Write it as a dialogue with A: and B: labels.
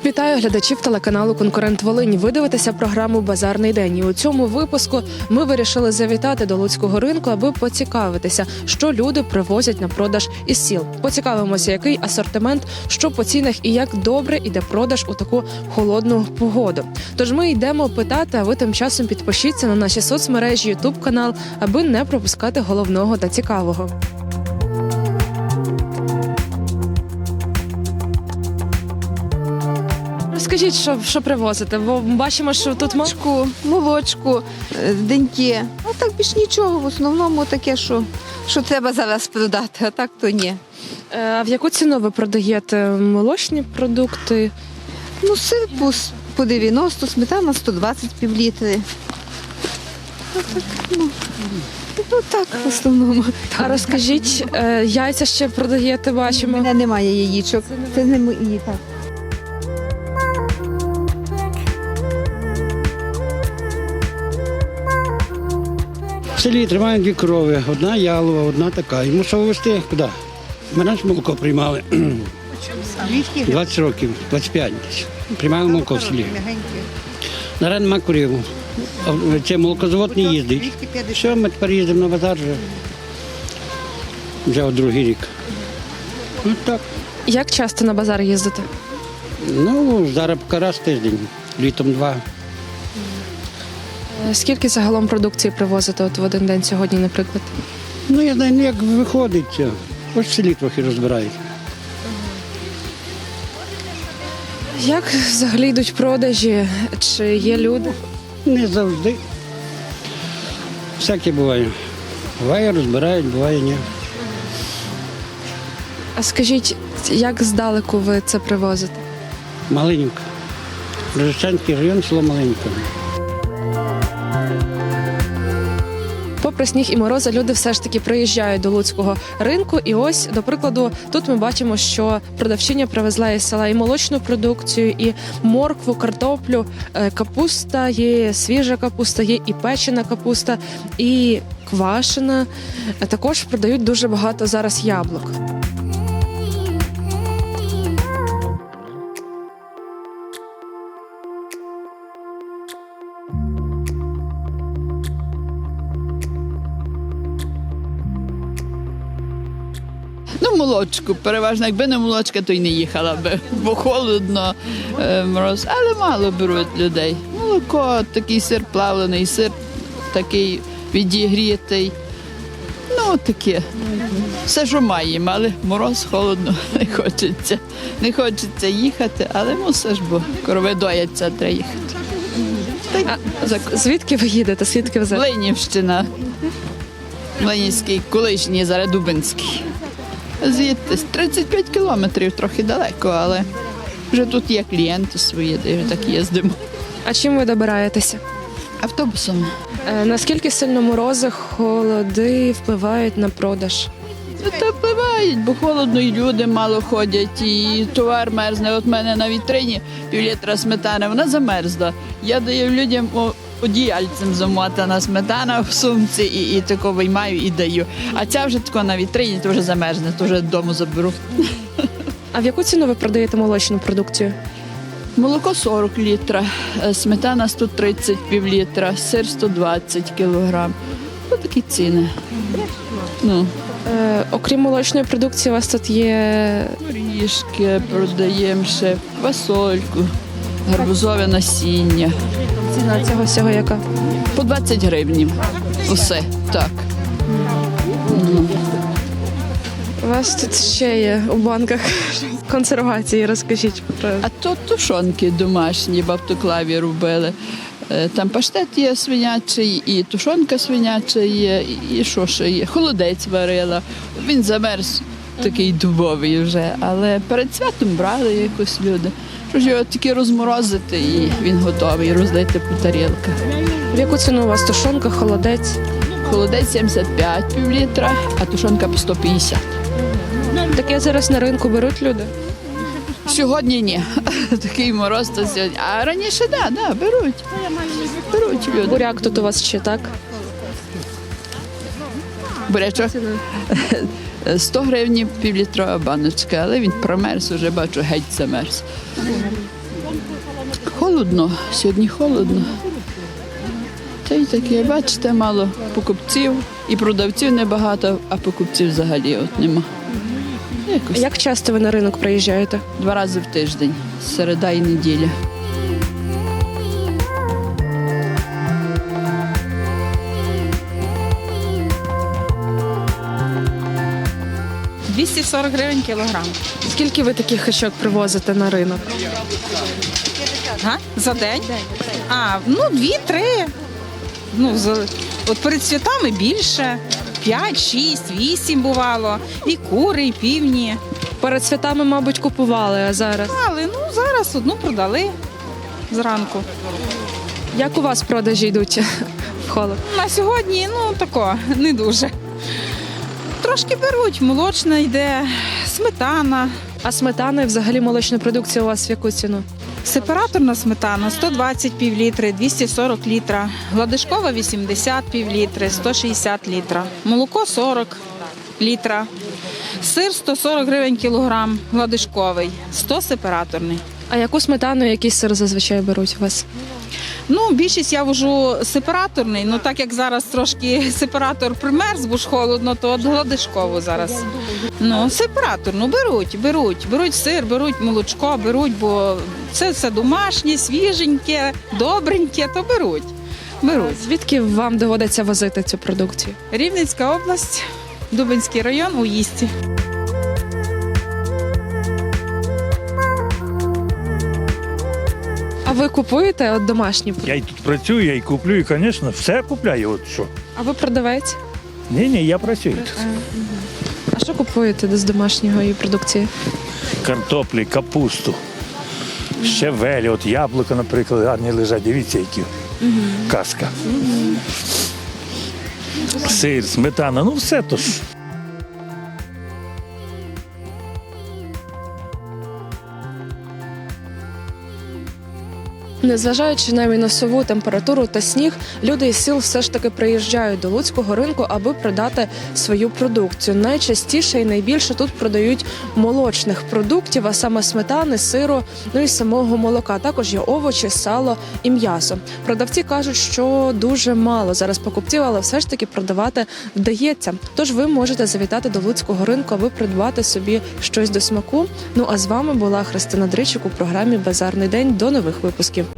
A: Вітаю глядачів телеканалу «Конкурент Волинь». Ви дивитеся програму «Базарний день». І у цьому випуску ми вирішили завітати до Луцького ринку, аби поцікавитися, що люди привозять на продаж із сіл. Поцікавимося, який асортимент, що по цінах і як добре іде продаж у таку холодну погоду. Тож ми йдемо питати, а ви тим часом підпишіться на наші соцмережі, ютуб-канал, аби не пропускати головного та цікавого. Скажіть, що привозите? Бо бачимо, що тут
B: Молочку, деньки. А так більш нічого. В основному таке, що треба зараз продати, а так то ні.
A: А в яку ціну ви продаєте молочні продукти?
B: Ну, сир по 90, сметана 120 півлітри. Ну так, в основному.
A: А розкажіть, яйця ще продаєте,
B: У
A: бачимо.
B: мене немає яєчок. Це не мої, так.
C: В селі тримаємо дві корови, одна ялова, одна така. Йому що вивезти? Куди? Ми раніше молоко приймали 20 років, 25 десь. Приймали молоко в селі. Зараз нема корів. Це молокозавод не їздить. Все, ми тепер їздимо на базар вже от другий рік. Ось так.
A: Як часто на базар їздите?
C: Ну, зараз поки раз в тиждень, літом два.
A: Скільки загалом продукції привозите от в один день сьогодні, наприклад?
C: Ну, я знаю, як виходить. Ось в селі трохи розбирають.
A: Як взагалі йдуть продажі? Чи є люди?
C: Не завжди. Всяке буває. Буває, розбирають, буває, ні.
A: А скажіть, як здалеку ви це привозите?
C: Малинівка. Рожищенський район, село Малинівка.
A: Попри сніг і морози, люди все ж таки приїжджають до Луцького ринку. І ось, до прикладу, тут ми бачимо, що продавчиня привезла із села і молочну продукцію, і моркву, картоплю, капуста, є свіжа капуста, є і печена капуста, і квашена. Також продають дуже багато зараз яблук.
D: Ну, молочку, переважно, якби не молочка, то й не їхала би, бо холодно, мороз, але мало беруть людей. Молоко, такий сир плавлений, сир такий відігрітий, ну таке. Все, що маємо, але мороз, холодно, не хочеться. Не хочеться їхати, але мусиш, бо корови дояться, треба їхати.
A: Звідки ви їдете? Звідки ви зараз?
D: Ленівщина, Ленівський, колишній, зараз Дубинський. Звідти 35 кілометрів, трохи далеко, але вже тут є клієнти свої, де вже так їздимо.
A: А чим ви добираєтеся?
D: Автобусом.
A: Наскільки сильно морози, холоди впливають на продаж?
D: Ну, та впливають, бо холодно, і люди мало ходять, і товар мерзне. От в мене на вітрині півлітра сметани, вона замерзла. Я даю людям одіяльцем замотана сметана в сумці і тако виймаю і даю. А ця вже тако на вітрині, то вже замерзне, то вже додому заберу.
A: А в яку ціну ви продаєте молочну продукцію?
D: Молоко 40 літра, сметана 130 півлітра, сир 120 кілограм. Ось такі ціни. Ну.
A: Окрім молочної продукції, у вас тут є
D: Горішки продаємо ще, квасольку, гарбузове насіння.
A: ціна цього всього яка?
D: По 20 гривень. Усе, так.
A: У вас тут ще є у банках консервації, розкажіть про.
D: А то тушонки домашні в автоклаві робили. Там паштет є свинячий, і тушонка свиняча є, і що ще є. Холодець варила. Він замерз такий дубовий вже, але перед святом брали якось люди. Що ж його тільки розморозити, і він готовий, розлити по тарілках.
A: В яку ціну у вас тушонка, холодець?
D: Холодець 75 півлітра, а тушонка по 150.
A: Таке зараз на ринку беруть люди?
D: Сьогодні ні. Такий мороз то сьогодні. А раніше да, беруть. Беруть люди.
A: Буряк тут у вас ще, так?
D: Бурячок 100 гривень півлітрова баночка, але він промерз, уже бачу, геть замерз. Холодно, сьогодні холодно. Та й таке, бачите, мало покупців і продавців небагато, а покупців взагалі от нема. Якось
A: Як часто ви на ринок приїжджаєте?
D: 2 рази в тиждень, середа і неділя.
E: – 240 гривень кілограм.
A: Скільки ви таких хачок привозите на ринок?
E: За день? Ну, 2-3. Ну, от перед святами більше. 5, 6, 8 бувало. І кури, і півні.
A: Перед святами, мабуть, купували, а зараз.
E: Але зараз одну продали зранку.
A: Як у вас продажі йдуть в холод?
E: На сьогодні, тако, не дуже. Трошки беруть, молочна йде, сметана.
A: А сметана і взагалі молочна продукція у вас в яку ціну?
E: Сепараторна сметана 120 півлітри, 240 літра, гладишкова 80 півлітри, 160 літра, молоко 40 літра, сир 140 гривень кілограм, гладишковий, 100 сепараторний.
A: А яку сметану, який сир зазвичай беруть у вас?
E: Більшість я вожу сепараторний, так як зараз трошки сепаратор примерз, бо ж холодно, то от гладишкову зараз. Сепараторну беруть сир, беруть молочко, бо це все домашнє, свіженьке, добреньке, то беруть.
A: Звідки вам доводиться возити цю продукцію?
E: Рівненська область, Дубинський район, Уїсті.
A: А ви купуєте от домашні продукти?
F: Я й тут працюю, я й куплю, і, звісно, все купляю. От що.
A: А ви продавець?
F: Ні, я працюю тут.
A: А що купуєте з домашньої продукції?
F: Картоплі, капусту, щавелі, от яблука, наприклад, гарні лежать. Дивіться, які. Казка. Сир, сметана, все то ж.
A: Незважаючи на мінусову температуру та сніг, люди із сіл все ж таки приїжджають до Луцького ринку, аби продати свою продукцію. Найчастіше і найбільше тут продають молочних продуктів, а саме сметани, сиру, і самого молока. Також є овочі, сало і м'ясо. Продавці кажуть, що дуже мало зараз покупців, але все ж таки продавати вдається. Тож ви можете завітати до Луцького ринку, аби придбати собі щось до смаку. А з вами була Христина Дричик у програмі «Базарний день». До нових випусків.